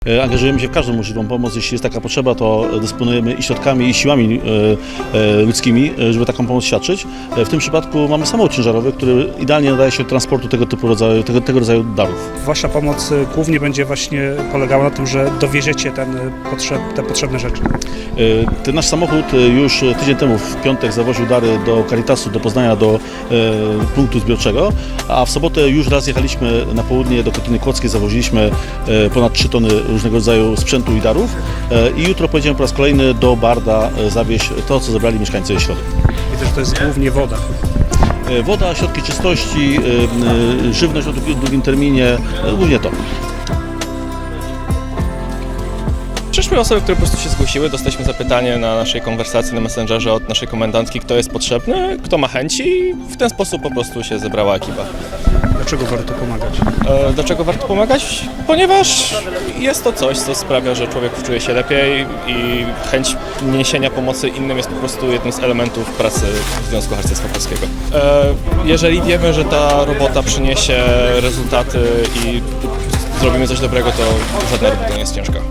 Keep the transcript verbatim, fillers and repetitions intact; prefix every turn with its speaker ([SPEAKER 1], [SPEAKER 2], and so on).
[SPEAKER 1] Angażujemy się w każdą możliwą pomoc, jeśli jest taka potrzeba, to dysponujemy i środkami, i siłami ludzkimi, żeby taką pomoc świadczyć. W tym przypadku mamy samochód ciężarowy, który idealnie nadaje się do transportu tego typu rodzaju, tego, tego rodzaju darów.
[SPEAKER 2] Wasza pomoc głównie będzie właśnie polegała na tym, że dowieziecie ten potrzeb, te potrzebne rzeczy.
[SPEAKER 1] Ten nasz samochód już tydzień temu w piątek zawoził dary do Caritasu, do Poznania, do punktu zbiorczego, a w sobotę już raz jechaliśmy na południe do Kotyny Kłodzkiej, zawoziliśmy ponad trzy tony różnego rodzaju sprzętu i darów i jutro pojedziemy po raz kolejny do Barda zawieźć to, co zebrali mieszkańcy Środy.
[SPEAKER 2] Widzę, że to jest głównie woda.
[SPEAKER 1] Woda, środki czystości, żywność o długim terminie, głównie to.
[SPEAKER 3] Przyszły osoby, które po prostu się zgłosiły, dostaliśmy zapytanie na naszej konwersacji na Messengerze od naszej komendantki, kto jest potrzebny, kto ma chęci i w ten sposób po prostu się zebrała ekipa.
[SPEAKER 2] Dlaczego warto pomagać?
[SPEAKER 3] E, dlaczego warto pomagać? Ponieważ jest to coś, co sprawia, że człowiek czuje się lepiej i chęć niesienia pomocy innym jest po prostu jednym z elementów pracy Związku Harcerstwa Polskiego. E, jeżeli wiemy, że ta robota przyniesie rezultaty i zrobimy coś dobrego, to żadna robota nie jest ciężka.